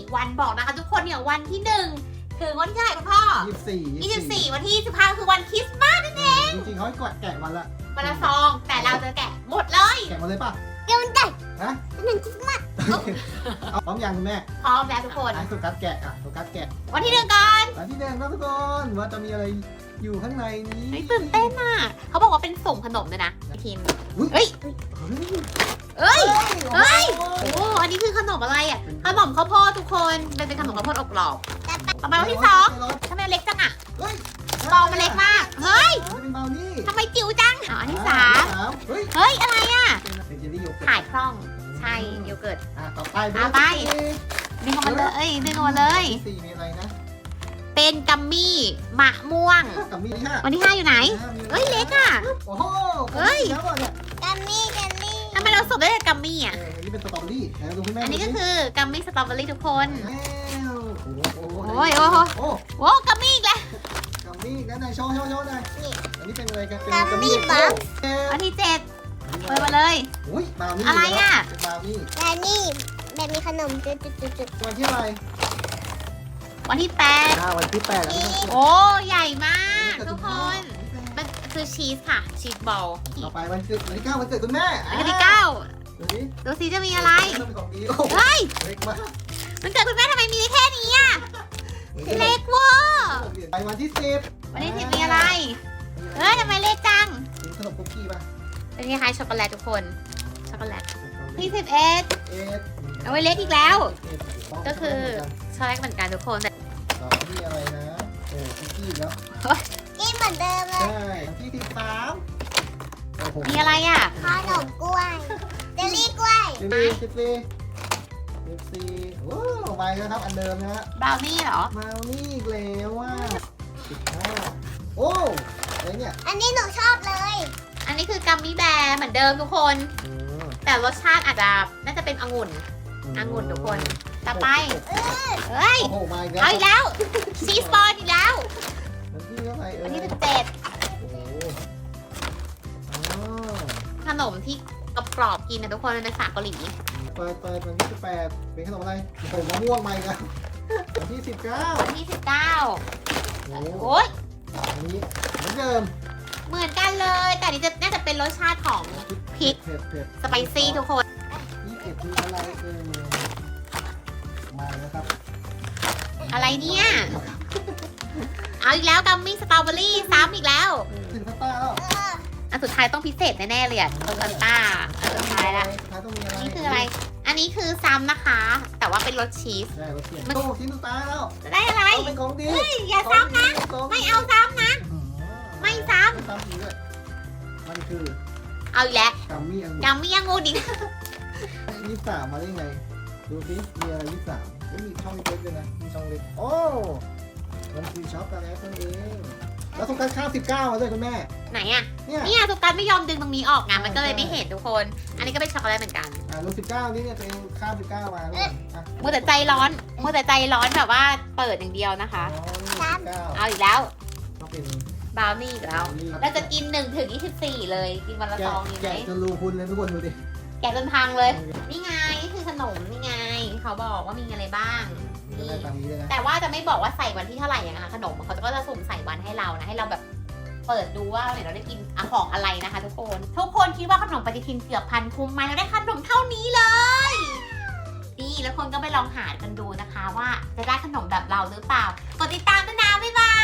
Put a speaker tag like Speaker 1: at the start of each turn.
Speaker 1: วันบอกนะคะทุกคนเนี่ยวันที่1ถึงวันที่เท่าไหร่คุณพ่อ 24วันที่25คือวันคริสต์มาส
Speaker 2: จริงๆเขาให้แกะวันละ
Speaker 1: วันละซองแต่เราจะแกะหมดเลย
Speaker 2: แกะมาเลยป่ะ
Speaker 3: เดี๋ยวมันแตก
Speaker 2: ฮะ
Speaker 3: มันคริสต์มาส
Speaker 2: เอาพร้อมยังคุณแม่
Speaker 1: พร้อมแล้วทุกคน
Speaker 2: ให้โฟกัสแกะโฟกัสแกะ
Speaker 1: วันที่1ก่อน
Speaker 2: อันที่แดงครับทุกคนว่าจะมีอะไรอยู่ข้างในนี้
Speaker 1: เฮ้ยตื่นเต้นอ่ะเขาบอกว่าเป็นส่งขนมเลยนะทีม
Speaker 2: เฮ้ย
Speaker 1: เอ้ย
Speaker 2: เฮ้ย
Speaker 1: โอ้อันนี้คือขนมอะไรอ่ะขนมข้าวโพดทุกคนเป็นขนมข้าวโพดอบกรอบต่อมาวันที่2ทำไมมันเล็กจังอ่ะ
Speaker 2: เฮ้ย
Speaker 1: ซองมันเล็กมากเฮ้ย
Speaker 2: เป็นเบลนี่
Speaker 1: ทำไมจิ๋วจังอันที่
Speaker 2: เฮ้ย
Speaker 1: 3เฮ้ยอะไรอ่ะ
Speaker 2: เป็นเจลลี่โยเกิร์ต
Speaker 1: ถ่ายคล่องใช่โยเกิร์ต
Speaker 2: ต่อไป
Speaker 1: ไป ดึงออกมาเลยดึงออกมาเลย
Speaker 2: สี่มีอะไรนะ
Speaker 1: เป็นกัมมี่มะม่วง
Speaker 2: กับมีห้า
Speaker 1: วันที่5อยู่ไหนเฮ้ยเล็กอ่ะ
Speaker 2: โอ้โหแล้วเนี่ย
Speaker 3: กัมมี่กัมมี่
Speaker 1: ทำไมเราส่งได้แต่กัมมี่อ่ะ
Speaker 2: อันนี้เป็นสตรอเบอรี่ดูคุณแม่
Speaker 1: อันนี้ก็คือกัมมี่สตรอเบอรี่ทุกคน
Speaker 2: โอ้โห
Speaker 1: โอ้กัมมี่อีกแล้ว
Speaker 2: กับมีนั่นนายโชว์หน่อยอันนี้เป็นอะไรกันเป็น
Speaker 3: กัมมี่บัฟ
Speaker 1: วันที่7เปิดมาเลย
Speaker 2: อุ้ยบาวนี่
Speaker 1: อะไรอ่ะ
Speaker 2: เป็นบาวนี่
Speaker 3: และนี่แบบมีขนมจุด
Speaker 2: วันที่อะไร
Speaker 1: วันที่
Speaker 2: วันที่8แล้ว
Speaker 1: 8โอ้ใหญ่มากทุกคนมันคือชีสค่ะชีสบอล
Speaker 2: ต่อไปวันที่9วันเกิดคุณแม่
Speaker 1: วันที่9
Speaker 2: ดูสิ
Speaker 1: ดูสิจะมีอะไร
Speaker 2: เป็นของดี
Speaker 1: เฮ้ย
Speaker 2: เล็กมาก
Speaker 1: มันเกิดคุณแม่ทำไมมีแค่นี้อ่ะเล็กเวอร์
Speaker 2: ไปวันที่10
Speaker 1: วันที่10มีอะไรเฮ้ยทำไมเล็กจัง
Speaker 2: กินขนมคุกกี้ป่ะ
Speaker 1: เป็นคล้ายๆช็อกโกแลตทุกคนช็อกโกแลตที่11
Speaker 2: เอส
Speaker 1: เอาไว้เล็กอีกแล้ว ก็คือช็อกโกแลตเหมือนกันทุกคนแต่
Speaker 2: ต่อที่อะไรนะโอ้คุกกี้แล้ว
Speaker 3: ๆกินเหมือนเดิมเล
Speaker 2: ใช่
Speaker 3: ย
Speaker 2: ที่13โอ้โห
Speaker 1: มีอะไรอ่ะ
Speaker 3: ขนมกล้วยเจลลี่กล้วย
Speaker 2: 14โอ้ไปแล้วครับอันเดิมนะฮะ
Speaker 1: บราวนี่เหรอ
Speaker 2: มานี่อีกแล้วว่า15โอ้อะไรเนี่ย
Speaker 3: อันนี้หนูชอบเลย
Speaker 1: อันนี้คือกัมมี่แบร์เหมือนเดิมทุกคน แต่รสชาติอาจจะน่าจะเป็นองุ่นทุกคน ต่อไป เฮ้ย
Speaker 2: โอ้โหมาอีกแล้ว
Speaker 1: เอาอีกแล้ว ชีสบอลอีกแล้ว
Speaker 2: วันที่เท่าไหร่
Speaker 1: วันที่
Speaker 2: โอ้โหอ๋อ
Speaker 1: 17ขนมที่กรอบๆกินนะทุกคนเป็นภาษาเกาหลี
Speaker 2: เปิดวันที่18เป็นขนมอะไรโอ้โหมะม่วงมาอีกแล้ววันที่19
Speaker 1: วันที่19
Speaker 2: โอ้โห
Speaker 1: โอ้ย
Speaker 2: อันนี้เหมือนเดิม
Speaker 1: เหมือนกันเลย แต่อันนี้จะน่าจะเป็นรสชาติของ พริก
Speaker 2: เผ็ด
Speaker 1: สไปซี่ทุกคน
Speaker 2: 21คืออะไรมาแล้วครับ
Speaker 1: อะไรเนี่ย เอาอีกแล้วกัมมี่สตรอเบอรี่ซ้ำอีกแล้ว
Speaker 2: ถึงสตาร์แล้ว
Speaker 1: อันสุดท้ายต้องพิเศษแน่ๆเลยอ่ะโคซันต้าอันสุดท้ายละ
Speaker 2: สุดท้ายต้องมีอะไร
Speaker 1: นี่คืออะไร อันนี้คือซ้ำนะคะ แต่ว่าเป็นรสชีส
Speaker 2: ได้รถเปลี่ยนโอ้ชิ้นสุดท้ายแล้ว
Speaker 1: จะได้อะไร
Speaker 2: ต้องเป็นของดี
Speaker 1: เฮ้ยอย่าซ้ำนะ ไม่เอาซ้ำนะ ไม่ซ้
Speaker 2: ไม่ซ้ำอีกด้วยมันคือ
Speaker 1: ำเอาอีกแล้ว
Speaker 2: กัมมี่อังุ่น
Speaker 1: กัมมี่ยังงูดิ
Speaker 2: 23มาได้ไง ดูสิมีอะไร23ไม่มีช่องเล็กด้วยนะ มีช่องเล็ก โอ้ มันคือช็อกโกแลตนั่นเอง แล้วต้องการข้าว19มาด้วยคุณแม่
Speaker 1: ไหนอ่ะ
Speaker 2: เนี่ย
Speaker 1: เนี่ยสุการไม่ยอมดึงตรงนี้ออกไงมันก็เลยไม่เห็นทุกคน อันนี้ก็เป็นช็อกโกแลตเหมือนกัน
Speaker 2: รู19นี่เนี่ยเป็นข้าว19มาด้วยอ่ะ
Speaker 1: มัวแต่ใจร้อนมัวแต่ใจร้อนแบบว่าเปิดอย่างเดียวนะคะ
Speaker 2: อ๋อนี่19
Speaker 1: เอาอีกแล้ว
Speaker 2: ต้องเป็น
Speaker 1: บราวนี่อีกแล้ว เราจะกิน1ถึง24เลย กินวันละซองดีไหม
Speaker 2: แกะจนรูพุนเลยทุกคนดูดิ
Speaker 1: แกะจนพังเลย นี่ไงนี่คือขนมนี่ไง เขาบอกว่ามีอะไรบ้าง
Speaker 2: มีอะไรตามนี้เลยนะ
Speaker 1: แต่ว่าจะไม่บอกว่าใส่วันที่เท่าไหร่อย่างนะคะขนมเขาก็จะสุ่มใส่วันให้เรานะให้เราแบบเปิดดูว่าเนี่ยเราได้กินของอะไรนะคะ ทุกคนคิดว่าขนมปฏิทินเกือบพันคุ้มไหมเราได้ขนมเท่านี้เลยนี่แล้วคนก็ไปลองหากันดูนะคะว่าจะได้ขนมแบบเราหรือเปล่ากดติดตามด้วยนะบ๊ายบาย